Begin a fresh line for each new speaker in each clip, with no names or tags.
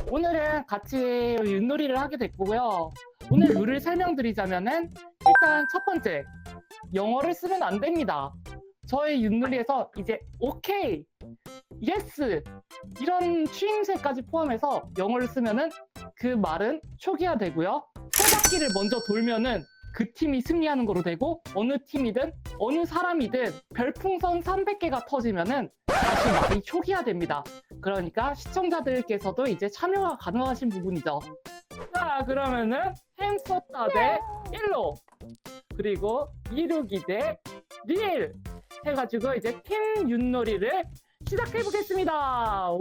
오늘은 같이 윷놀이를 하게 됐고요. 오늘 룰을 설명드리자면은 일단 첫 번째, 영어를 쓰면 안 됩니다. 저의 윷놀이에서 이제 오케이, 예스 이런 추임새까지 포함해서 영어를 쓰면은 그 말은 초기화되고요. 세 바퀴를 먼저 돌면은 그 팀이 승리하는 거로 되고 어느 팀이든 어느 사람이든 별풍선 300개가 터지면은 다시 말이 초기화됩니다. 그러니까 시청자들께서도 이제 참여가 가능하신 부분이죠. 자, 그러면은 햄스터 대 일로 그리고 이루기 대 리일 해가지고 이제 팀 윷놀이를 시작해 보겠습니다. 와!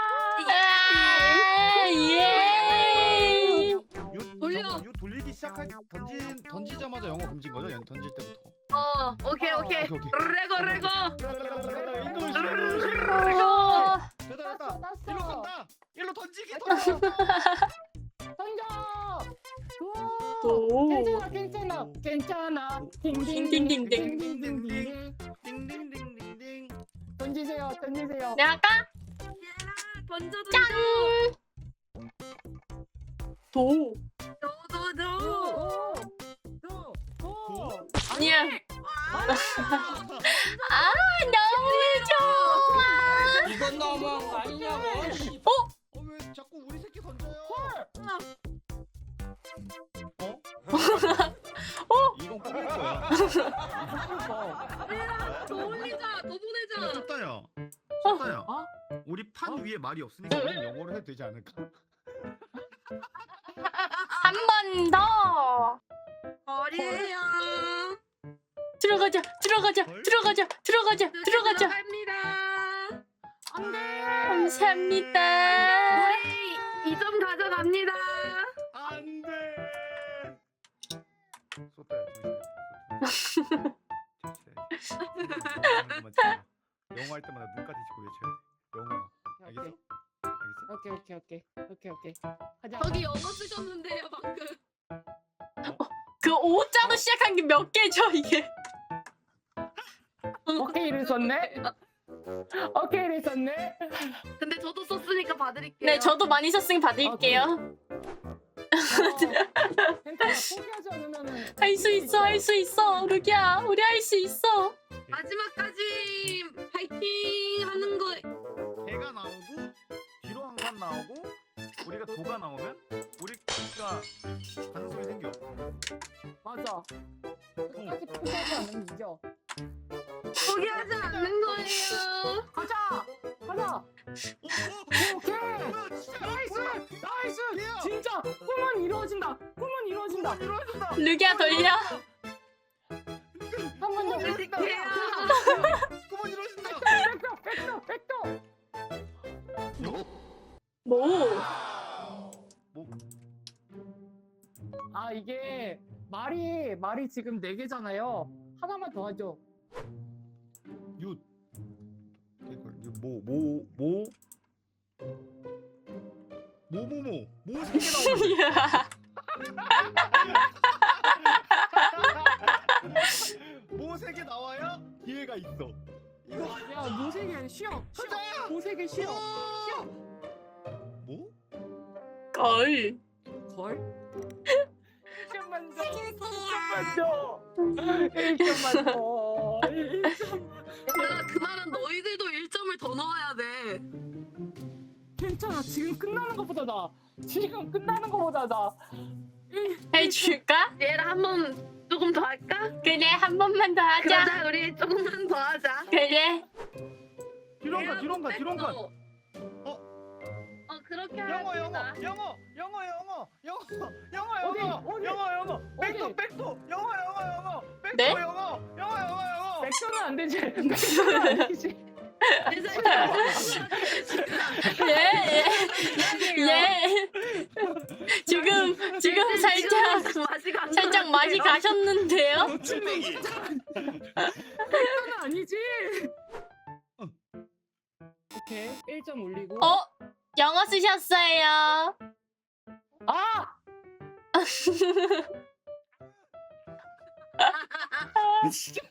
예!
돌려.
유 돌리기 시작하기 던지자마자 영어 금지인 거죠? 던질 때부터.
오케이.
오케이.
레고.
됐다. 일로 간다. 일로 던지기.
던져!
오.
괜찮아.
딩딩딩딩.
딩딩딩딩.
딩딩딩딩딩.
던지세요.
내가 할까?
던져.
짠! 도. 아니야. 아, 너무 좋아.
이건 너무한 거 아니냐고.
왜 자꾸 우리 새끼 던져요? 이건 꾸밀 거야.
더 올리자. 더 보내자.
쳤다야.
어?
우리 판 위에 말이 없으니까 우린 영어로 해도 되지 않을까?
한 번 더.
거리에요.
들어가자.
갑니다.
감사합니다.
우리 2점 가져갑니다.
안 돼. 쏟아야 영어 할 때마다 눈까지 짚고 외쳐야 돼. 영어. 알겠어? 알겠어?
오케이. 가자.
저기 영어 쓰셨는데요 방금.
그 오자로 시작한 게 몇 개죠, 이게?
오케이를 썼네.
근데 저도 썼으니까 봐드릴게요.
네, 저도 많이 썼으니 받을게요.
괜찮아. 포기하지 않으면은
할 수 있어. 루기야, 우리 할 수 있어.
마지막까지 파이팅 하는 거.
해가 나오고 뒤로 항상 나오고 우리가 도가 나오면 우리가 가능성이 생겨.
맞아. 끝까지 포기하지 않으면 이겨.
포기하지 않는 거예요.
가자. 오케이. 나이스. 진짜 꿈은 이루어진다.
루기야, 돌려.
한 번 더.
드릴게요.
꿈은 이루어진다.
백도.
뭐?
아, 이게 말이 지금 4개잖아요. 하나만 더 하죠.
윷. 모 3개 나오는데. 모 3개 나와야 기회가 있어. 이거
야, 모세계 쉬어.
가자!
모세계 쉬어.
뭐?
걸.
1점만 더. 1점만 더.
얘들아 그 말은 너희들도 1점을 더 넣어야 돼.
괜찮아. 지금 끝나는 것보다 나.
해줄까?
얘를 한번 조금 더 할까?
그래, 한 번만 더 하자.
그러자 우리 조금만 더 하자.
그래.
뒤로 가.
그렇게
영어.
합시다.
백도. 영어.
네?
영어.
백도는 안 되지.
예. 지금 살짝 맛이 가셨는데요?
놓칠맹이.
백도는 아니지. 오케이. 1점 올리고.
영어 쓰셨어요.
아!
진짜.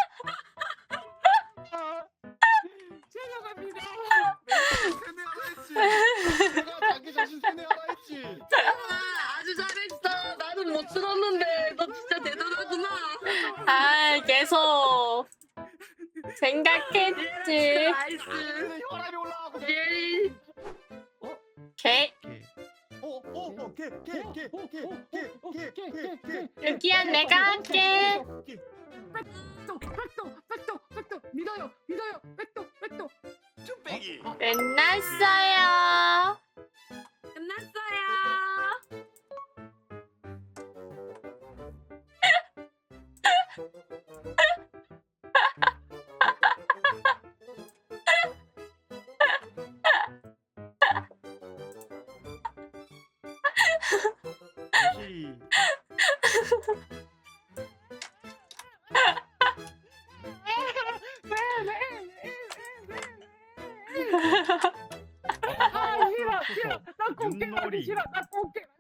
제가 갑니다.
세뇌하라 했지.
아 계속 생각했지.
나이스.
혈압이 올라가고.
예.
개 여기야 내가 할게.
백도 믿어요 백도
쭈빼기.
끝났어요.
끝났어요.
시.
아 싫어 나 꽃게 가기
윷놀이.
싫어 나 꽃게